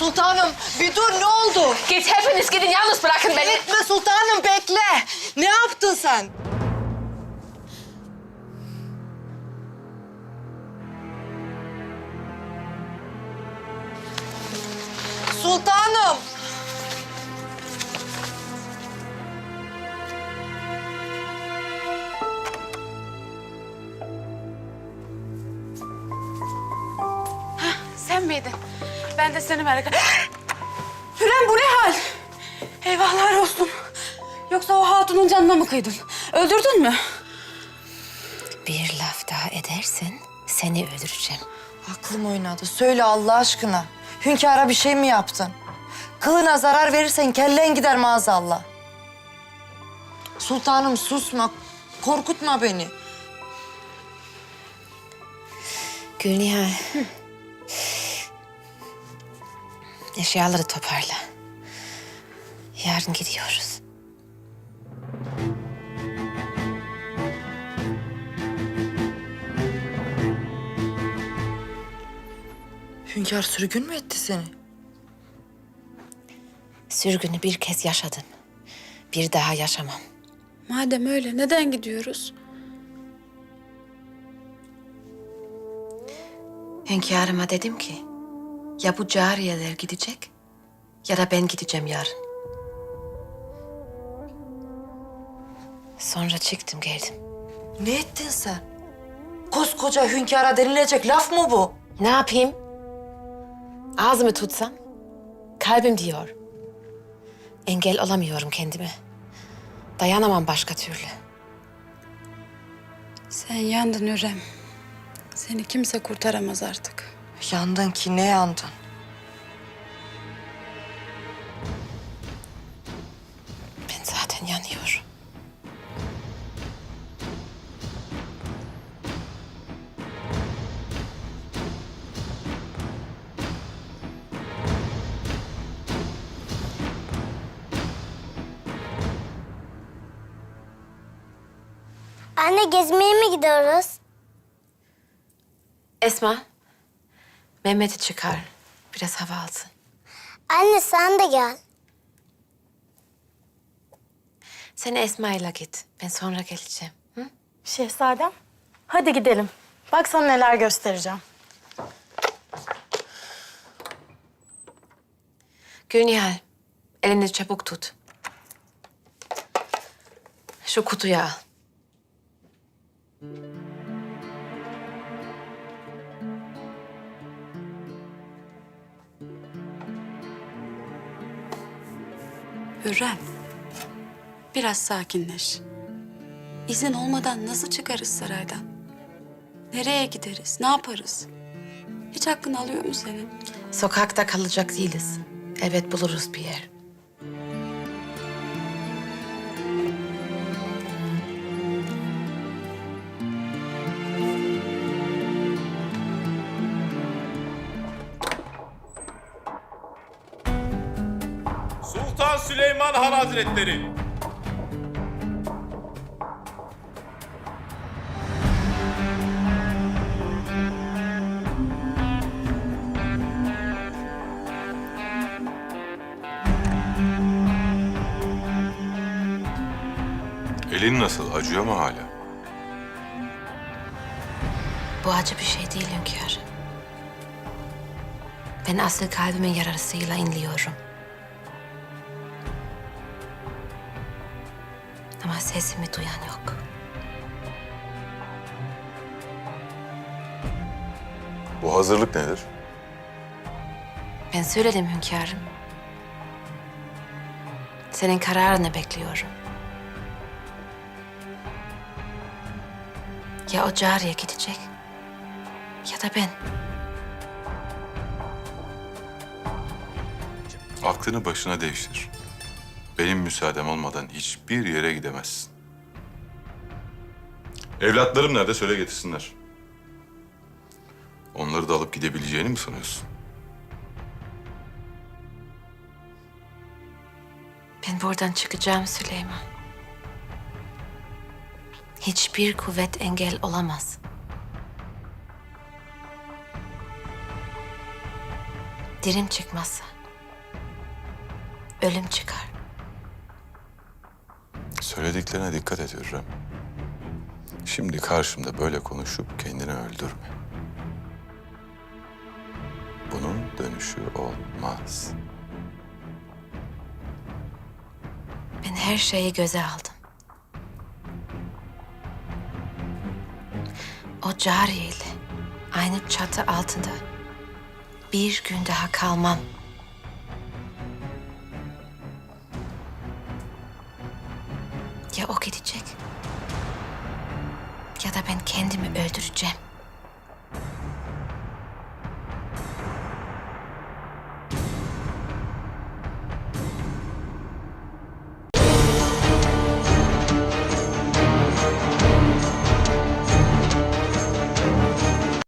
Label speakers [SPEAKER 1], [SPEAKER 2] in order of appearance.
[SPEAKER 1] Sultanım bir dur, ne oldu?
[SPEAKER 2] Git, hepiniz gidin, yalnız bırakın beni.
[SPEAKER 1] Gitme sultanım, bekle. Ne yaptın sen? Sultanım.
[SPEAKER 3] Sen miydin? Ben de seni merak ettim. Hürrem, bu ne hal? Eyvahlar olsun. Yoksa o hatunun canına mı kıydın? Öldürdün mü?
[SPEAKER 2] Bir laf daha edersen seni öldüreceğim.
[SPEAKER 1] Aklım oynadı. Söyle Allah aşkına. Hünkâra bir şey mi yaptın? Kılına zarar verirsen kellen gider maazallah. Sultanım susma. Korkutma beni.
[SPEAKER 2] Gülnihal. Eşyaları toparla. Yarın gidiyoruz.
[SPEAKER 1] Hünkâr sürgün mü etti seni?
[SPEAKER 2] Sürgünü bir kez yaşadım. Bir daha yaşamam.
[SPEAKER 3] Madem öyle neden gidiyoruz?
[SPEAKER 2] Hünkârıma dedim ki, ya bu cariyeler gidecek ya da ben gideceğim yarın. Sonra çıktım geldim.
[SPEAKER 1] Ne ettin sen? Koskoca hünkâra denilecek laf mı bu?
[SPEAKER 2] Ne yapayım? Ağzımı tutsam kalbim diyor. Engel olamıyorum kendime. Dayanamam başka türlü.
[SPEAKER 3] Sen yandın Hürrem. Seni kimse kurtaramaz artık.
[SPEAKER 1] Yandın ki ne yandın?
[SPEAKER 2] Ben zaten yanıyorum.
[SPEAKER 4] Anne, gezmeye mi gidiyoruz?
[SPEAKER 2] Esma, Mehmet'i çıkar. Biraz hava alsın.
[SPEAKER 4] Anne, sen de gel.
[SPEAKER 2] Sen Esma'yla git. Ben sonra geleceğim. Hı?
[SPEAKER 5] Şehzadem, hadi gidelim. Bak sana neler göstereceğim.
[SPEAKER 2] Gülnihal, elini çabuk tut. Şu kutuyu al.
[SPEAKER 3] Hürrem, biraz sakinleş. İzin olmadan nasıl çıkarız saraydan? Nereye gideriz, ne yaparız? Hiç hakkını alıyor mu senin?
[SPEAKER 2] Sokakta kalacak değiliz. Elbet buluruz bir yer.
[SPEAKER 6] Sultan Süleyman Han Hazretleri.
[SPEAKER 7] Elin nasıl? Acıyor mu hala?
[SPEAKER 2] Bu acı bir şey değil hünkâr. Ben asıl kalbimin yarasıyla inliyorum. Ama sesimi duyan yok.
[SPEAKER 7] Bu hazırlık nedir?
[SPEAKER 2] Ben söyledim hünkârım. Senin kararını bekliyorum. Ya o cariye gidecek ya da ben.
[SPEAKER 7] Aklını başına değiştir. Benim müsaadem olmadan hiçbir yere gidemezsin. Evlatlarım nerede? Söyle getirsinler. Onları da alıp gidebileceğini mi sanıyorsun?
[SPEAKER 2] Ben buradan çıkacağım Süleyman. Hiçbir kuvvet engel olamaz. dirim çıkmazsa ölüm çıkar.
[SPEAKER 7] Söylediklerine dikkat et Hürrem. Şimdi karşımda böyle konuşup kendini öldürme. Bunun dönüşü olmaz.
[SPEAKER 2] Ben her şeyi göze aldım. O cariyeyle aynı çatı altında bir gün daha kalmam.